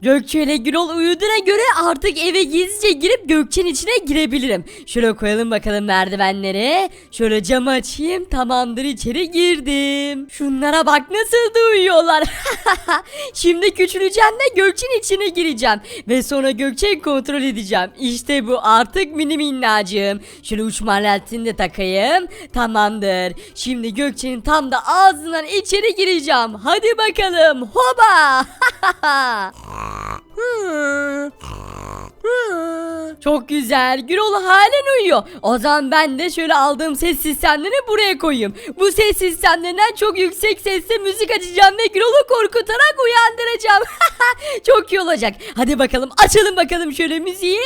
Gökçe ile Gürol uyuduğuna göre artık eve gizlice girip Gökçe'nin içine girebilirim. Şöyle koyalım bakalım merdivenleri. Şöyle camı açayım. Tamamdır, içeri girdim. Şunlara bak nasıl da uyuyorlar. Şimdi küçüleceğim ve Gökçe'nin içine gireceğim. Ve sonra Gökçe'yi kontrol edeceğim. İşte bu artık mini minnacığım. Şöyle uçma aletini de takayım. Tamamdır. Şimdi Gökçe'nin tam da ağzından içeri gireceğim. Hadi bakalım. Hoba. Çok güzel. Gürol halen uyuyor. O zaman ben de şöyle aldığım ses sistemlerini buraya koyayım. Bu ses sistemlerinden çok yüksek sesle müzik açacağım ve Gürol'u korkutarak uyandıracağım. Çok iyi olacak. Hadi bakalım açalım bakalım şöyle müziği.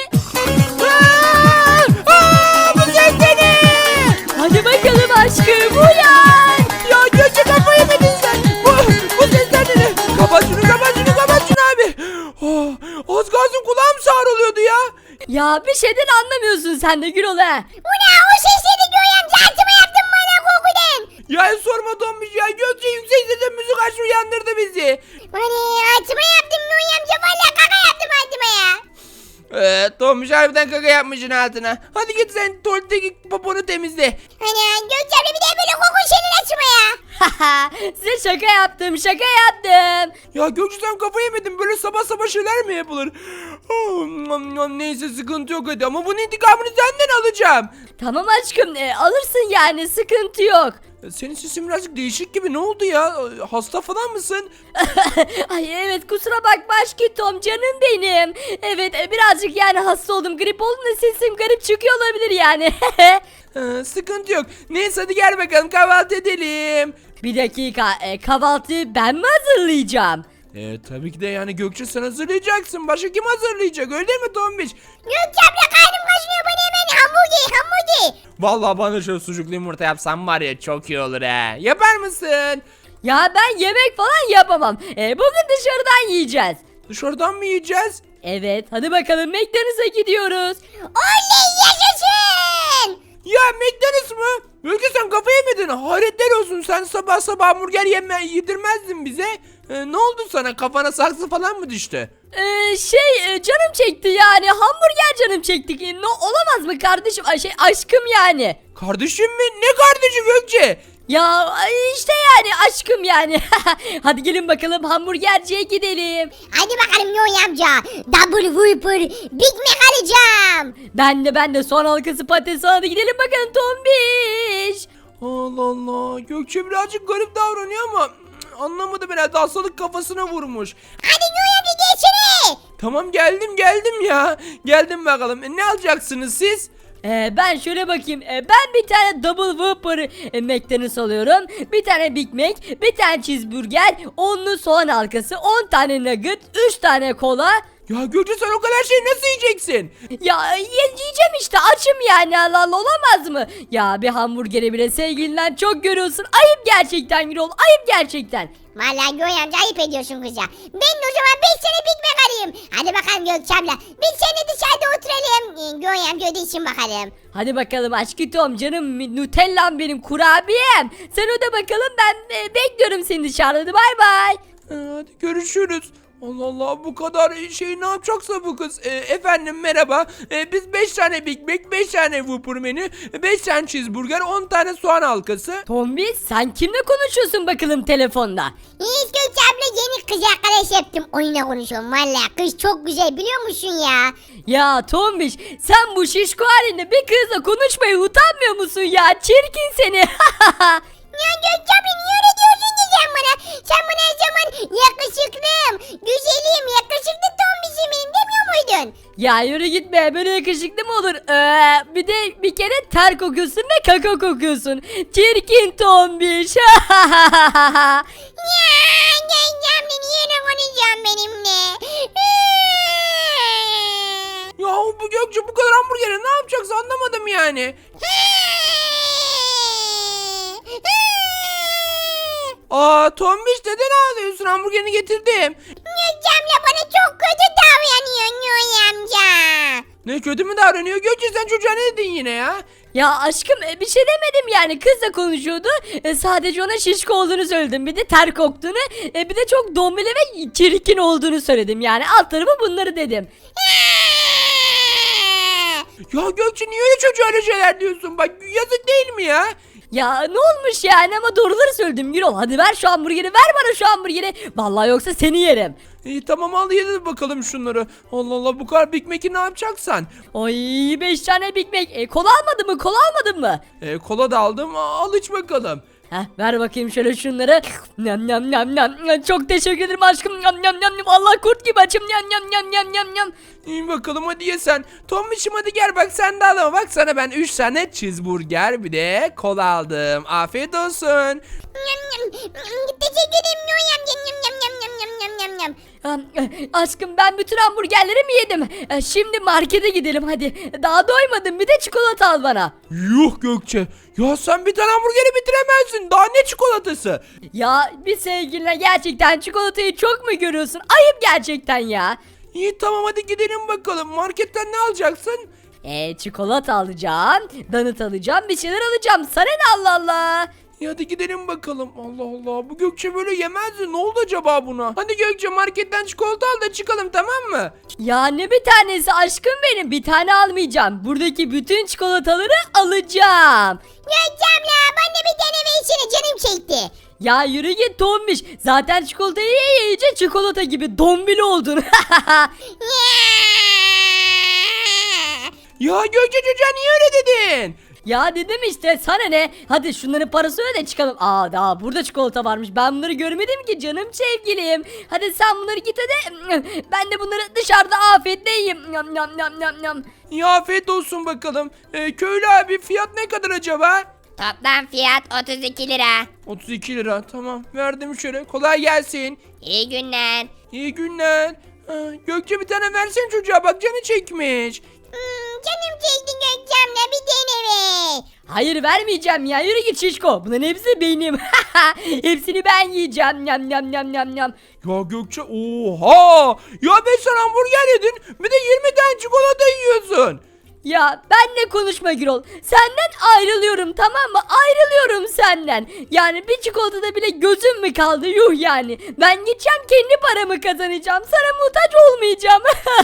Bu ses ne? Hadi bakalım aşkım uyan. Ya Gökçe kafayı yedin sen. Bu sesler ne? Kapat şunu abi. Az kalsın kulağım sağrılıyordu ya. Ya bir şeyden anlamıyorsun sen de Gürol ha. Bu ne? O sesleri Göğen altıma yaptın bana korkudan. Ya sorma Tombiş ya. Gökçe yüksek sesle müzik açtı uyandırdı bizi. Bana altıma yaptım Göğen amca. Valla kaka yaptım altıma ya. Tombiş harbiden kaka yapmışsın altına. Hadi git sen tuvaletteki poponu temizle. Ana Gökçe abla bir de böyle kokun senin açma ya. Size şaka yaptım. Ya Gökçe sen kafayı yemedin. Böyle sabah sabah şeyler mi yapılır? Neyse sıkıntı yok hadi. Ama bunun intikamını senden alacağım. Tamam aşkım alırsın yani sıkıntı yok. Senin sesin birazcık değişik gibi. Ne oldu ya? Hasta falan mısın? Ay evet kusura bakma aşkım canım benim. Evet birazcık yani hasta oldum, grip oldum da sesim garip çıkıyor olabilir yani. Sıkıntı yok. Neyse hadi gel bakalım kahvaltı edelim. Bir dakika kahvaltıyı ben mi hazırlayacağım? Tabii ki de yani Gökçe sen hazırlayacaksın. Başka kim hazırlayacak öyle değil mi Tombiç? Gökçe abla karnım kaşınıyor bana hemen hamburger. Vallahi bana şöyle sucuklu yumurta yapsam var ya çok iyi olur he. Yapar mısın? Ya ben yemek falan yapamam. Bugün dışarıdan yiyeceğiz. Dışarıdan mı yiyeceğiz? Evet hadi bakalım McDonald's'a gidiyoruz. Oley yaşasın. Ya McDonald's mı? Gökçe sen kafayı yemedin. Hayretler olsun sen sabah sabah hamburger yedirmezdin bize. Ne oldu sana kafana saksı falan mı düştü? Canım çekti yani hamburger canım çekti. Olamaz mı kardeşim? Aşkım yani. Kardeşim mi? Ne kardeşi Gökçe? Ya işte yani aşkım yani. Hadi gelin bakalım hamburgerciye gidelim. Hadi bakalım Göğen amca. Double Whopper Big Mac alacağım. Ben de son halkası patates, hadi gidelim bakalım Tombiş. Allah Allah. Gökçe birazcık garip davranıyor ama anlamadım herhalde hastalık kafasına vurmuş. Hadi Göğen amca geçene. Tamam geldim ya. Geldim bakalım. Ne alacaksınız siz? Ben şöyle bakayım. Ben bir tane Double Whopper McDonald's alıyorum. Bir tane Big Mac, bir tane cheeseburger, 10'lu soğan halkası, 10 tane nugget, 3 tane kola. Ya Gökçe sen o kadar şeyi nasıl yiyeceksin? Ya yiyeceğim işte, açım yani, Allah Allah, olamaz mı? Ya bir hamburgeri bile sevgilinden çok görüyorsun. Ayıp gerçekten Gürol, ayıp gerçekten. Vallahi Göğen amca ayıp ediyorsun kıza. Ben de o zaman 5 tane Big Mac alayım. Hadi bakalım Gökçe abla. Biz seninle dışarıda oturalım. Göğen amca ödesin bakalım. Hadi bakalım aşkım canım, Nutellam benim, kurabiyem. Sen öde bakalım, ben bekliyorum seni dışarıda. Hadi bay bay. Hadi görüşürüz. Allah Allah bu kadar şey ne yapacaksa bu kız. Efendim merhaba. Biz 5 tane Big Mac, 5 tane Whopper menü, 5 tane cheeseburger, 10 tane soğan halkası. Tombi sen kimle konuşuyorsun bakalım telefonda? Hiç Gökçe abla yeni kız arkadaş yaptım. Onunla konuşuyorum vallahi. Kız çok güzel biliyor musun ya? Ya Tombiş sen bu şişko halinde bir kızla konuşmayı utanmıyor musun ya? Çirkin seni. Ya Gökçe abla niye öyle diyorsun ki sen bana? Sen bana her zaman yakışıklım, güzelim, yakışıklı tombişim benim demiyor muydun? Ya yürü gitme, böyle yakışıklı mı olur? Bir de bir kere ter kokuyorsun ve kaka kokuyorsun. Çirkin Tombiş. Ya Gökçe abla niye öyle konuşuyorsun benimle? Ya bu Gökçe bu kadar hamburgeri ne yapacaksa anlamadım yani. Tombiş neden ağlıyorsun? Hamburgerini getirdim. Gökçe abla bana çok kötü davranıyor Göğen amca. Ne, kötü mü davranıyor? Gökçe sen çocuğa ne dedin yine ya? Ya aşkım bir şey demedim yani, kızla konuşuyordu. Sadece ona şişko olduğunu söyledim, bir de ter koktuğunu, bir de çok dombili ve çirkin olduğunu söyledim, yani alt tarafı bunları dedim. Ya Gökçe niye öyle çocuğa öyle şeyler diyorsun? Bak yazık değil mi ya? Ya ne olmuş yani, ama doğruları söyledim Gürol. Hadi ver şu hamburgeri, ver bana şu hamburgeri. Vallahi yoksa seni yerim. İyi tamam, al yedi bakalım şunları. Allah Allah, bu kadar Big Mac'i ne yapacaksan? Ay 5 tane Big Mac. Kola almadın mı? Kola almadın mı? Kola da aldım, al iç bakalım. Heh, ver bakayım şöyle şunları. Nam nam nam nam. Çok teşekkür ederim aşkım. Nam nam nam nam. Allah kurt gibi açım. Nam nam nam nam nam nam. İyi bakalım, hadi ye sen. Tombiş'im hadi gel, bak sen de al ama bak sana ben 3 tane cheeseburger bir de kola aldım. Afiyet olsun. Teşekkür ederim Noy amca. Yam yam yam yam yam yam yam yam. Aşkım ben bütün hamburgerleri mi yedim? Şimdi markete gidelim hadi. Daha doymadım, bir de çikolata al bana. Yuh Gökçe. Ya sen bir tane hamburgeri bitiremezsin. Daha ne çikolatası? Ya bir sevgiline gerçekten çikolatayı çok mu görüyorsun? Ayıp gerçekten ya. İyi tamam, hadi gidelim bakalım. Marketten ne alacaksın? Çikolata alacağım, donut alacağım, bir şeyler alacağım. Sana ne, Allah Allah. İyi hadi gidelim bakalım. Allah Allah, bu Gökçe böyle yemezdi. Ne oldu acaba buna? Hadi Gökçe marketten çikolata al da çıkalım, tamam mı? Ya ne bir tanesi aşkım benim, bir tane almayacağım. Buradaki bütün çikolataları alacağım. Gökçem ya bana bir tane versene, canım çekti. Ya yürü git Tombiş. Zaten çikolatayı yiyince çikolata gibi dombili oldun. Ya Gökçe çocuğa niye öyle dedin? Ya dedim işte, sana ne? Hadi şunların parasını öde çıkalım. Daha burada çikolata varmış. Ben bunları görmedim ki canım sevgilim. Hadi sen bunları git öde. Ben de bunları dışarıda afiyetle yiyeyim. Yam yam yam yam yam. Ya afiyet olsun bakalım. Köylü abi, fiyat ne kadar acaba? Toplam fiyat 32 lira. 32 lira, tamam verdim şöyle. Kolay gelsin. İyi günler. İyi günler. Gökçe bir tane versene çocuğa, bak canı çekmiş. Canım çekti Gökçem'le bir tane ver. Hayır vermeyeceğim ya, yürü git şişko. Bunların hepsi benim. Hepsini ben yiyeceğim. Yam yam yam yam yam. Ya Gökçe oha! Ya 5 tane hamburger yedin, bir de 20 tane çikolata yiyorsun. Ya benle konuşma Gürol. Senden ayrılıyorum, tamam mı? Ayrılıyorum senden. Yani bir çikolatada bile gözüm mü kaldı? Yuh yani. Ben gideceğim, kendi paramı kazanacağım. Sana muhtaç olmayacağım.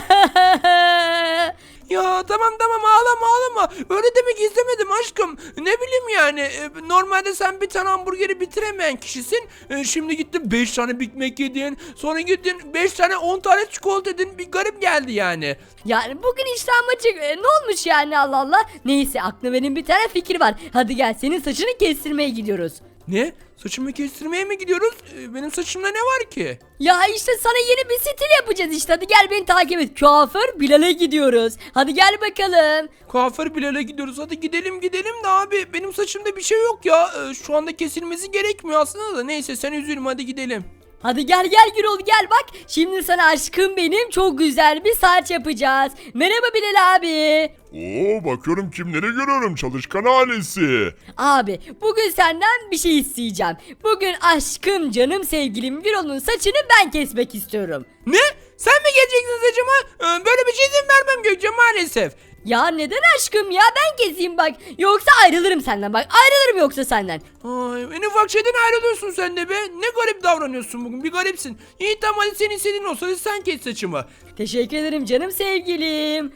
Ya tamam tamam, ağlama ağlama. Öyle demek istemedim aşkım. Ne bileyim yani. Normalde sen bir tane hamburgeri bitiremeyen kişisin. Şimdi gittin 5 tane Big Mac yedin. Sonra gittin 5 tane 10 tane çikolata yedin. Bir garip geldi yani. Yani bugün iştahım açık. Ne olmuş yani, Allah Allah. Neyse, aklımda benim bir tane fikir var. Hadi gel, senin saçını kestirmeye gidiyoruz. Ne? Saçımı kestirmeye mi gidiyoruz? Benim saçımda ne var ki? Ya işte sana yeni bir stil yapacağız işte. Hadi gel, beni takip et. Kuaför Bilal'e gidiyoruz. Hadi gel bakalım. Kuaför Bilal'e gidiyoruz. Hadi gidelim gidelim de abi. Benim saçımda bir şey yok ya. Şu anda kesilmesi gerekmiyor aslında da. Neyse sen üzülme, hadi gidelim. Hadi gel gel Gürol, gel bak. Şimdi sana aşkım benim çok güzel bir saç yapacağız. Merhaba Bilal abi. Oo, bakıyorum kimleri görüyorum, çalışkan ailesi. Abi bugün senden bir şey isteyeceğim. Bugün aşkım, canım sevgilim Gürol'un saçını ben kesmek istiyorum. Ne? Sen mi geleceksin saçıma? Böyle bir şey izin vermem Gökçe maalesef. Ya neden aşkım ya, ben keseyim bak. Yoksa ayrılırım senden, bak ayrılırım yoksa senden. Ay, en ufak şeyden ayrılıyorsun sen de be. Ne garip davranıyorsun bugün, bir garipsin. İyi tamam, hadi senin istediğin olsa hadi sen kes saçımı. Teşekkür ederim canım sevgilim.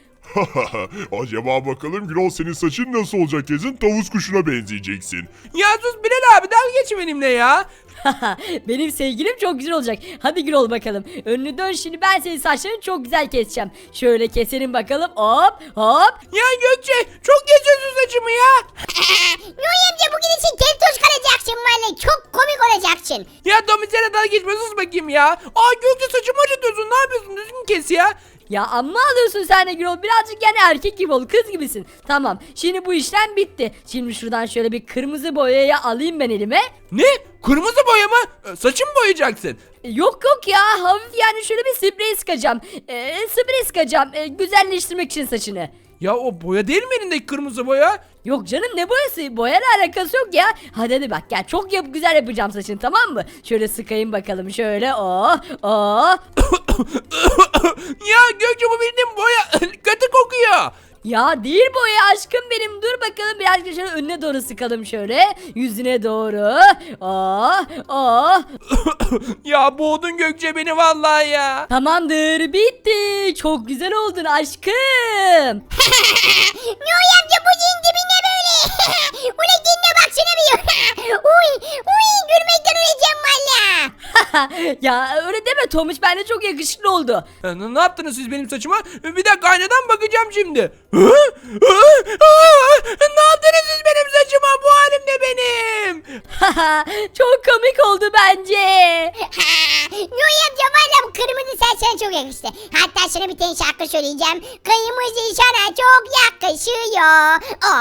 Acaba bakalım Gürol, senin saçın nasıl olacak kesin, tavus kuşuna benzeyeceksin. Ya sus Bilal abi, dalga geçme benimle ya. Benim sevgilim çok güzel olacak. Hadi Gürol bakalım. Önünü dön, şimdi ben senin saçlarını çok güzel keseceğim. Şöyle keselim bakalım. Hop hop. Ya Gökçe çok kesiyorsun saçımı ya. Noy amca bugün için keltoş kalacaksın valla. Çok komik olacaksın. Ya Tommy sana dalga geçme, sus bakayım ya. Aa Gökçe saçımı acıtıyorsun, ne yapıyorsun, düzgün kes ya. Ya amma alıyorsun sen de Gürol. Birazcık yani erkek gibi ol, kız gibisin. Tamam, şimdi bu işlem bitti. Şimdi şuradan şöyle bir kırmızı boyayı alayım ben elime. Ne? Kırmızı boya mı? Saçımı boyayacaksın. Yok yok ya, hafif yani şöyle bir sprey sıkacağım. Sprey sıkacağım güzelleştirmek için saçını. Ya o boya değil mi elindeki kırmızı boya? Yok canım, ne boyası? Boyayla alakası yok ya. Hadi bak gel, çok güzel yapacağım saçını, tamam mı? Şöyle sıkayım bakalım, şöyle. Ya Gökçe bu bildiğin boya kötü kokuyor. Ya değil bu ya aşkım benim. Dur bakalım birazcık şöyle önüne doğru sıkalım şöyle. Yüzüne doğru. Ah ah. Ya boğdun Gökçe beni vallahi ya. Tamamdır bitti. Çok güzel oldun aşkım. Noy amca bu senin dibine böyle. Ulan kendine baksana bir. Uy gülmekten öleceğim valla. Ya öyle deme Tomuş, bence çok yakışıklı oldu. Ne yaptınız siz benim saçıma? Bir dakika aynadan bakacağım şimdi. Ne yaptınız siz benim saçıma? Bu halim ne benim? Çok komik oldu bence. Noy amca valla bu kırmızı saç sana çok yakıştı. Hatta sana bir tane şarkı söyleyeceğim. Kırmızı sana çok yakışıyor.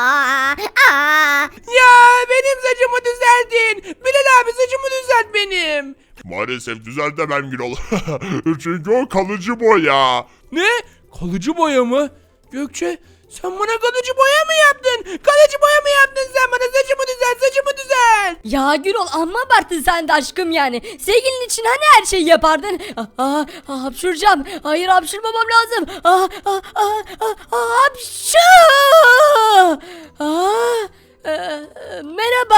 Ya benim saçımı düzeltin. Bilal abi saçımı düzelt benim. Maalesef düzeltemem Gürol. Çünkü o kalıcı boya. Ne? Kalıcı boya mı? Gökçe sen bana kalıcı boya mı yaptın? Kalıcı boya mı yaptın sen bana? Saçımı düzelt, saçımı düzelt. Ya Gürol amma abarttın sen de aşkım yani. Sevgilin için hani her şeyi yapardın. Hapşuracağım. Hayır hapşurmamam lazım. Hapşu. Merhaba.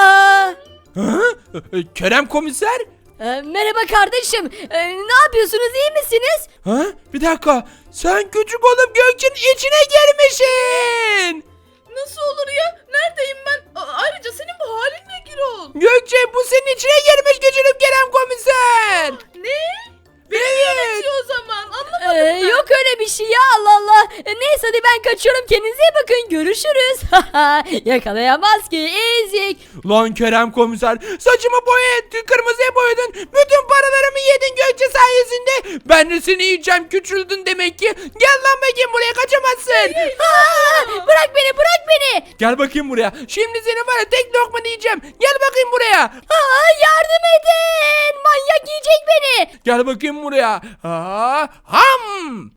Kerem komiser? Merhaba kardeşim. Ne yapıyorsunuz, iyi misiniz? Ha? Bir dakika. Sen küçük olup Gökçe'nin içine girmişsin. Nasıl olur ya? Neredeyim ben? Ayrıca senin bu halin ne Gürol? Gökçe bu senin içine girmiş küçülüp Kerem komiser. Ne? Evet. O zaman anlamadım. Yok öyle bir şey ya, Allah Allah. Neyse hadi ben kaçıyorum, kendinize iyi bakın, görüşürüz. Yakalayamaz ki ezik. Lan Kerem komiser saçımı kırmızıya boyadın. Bütün paralarımı yedin Gökçe sayesinde. Ben de seni yiyeceğim, küçüldün demek ki. Gel lan bakayım buraya, kaçamazsın. Bırak beni, bırak beni. Gel bakayım buraya. Şimdi seni var ya tek lokma yiyeceğim. Gel bakayım buraya. Yardım edin, manyak yiyecek beni. Gel bakayım buraya. Ham.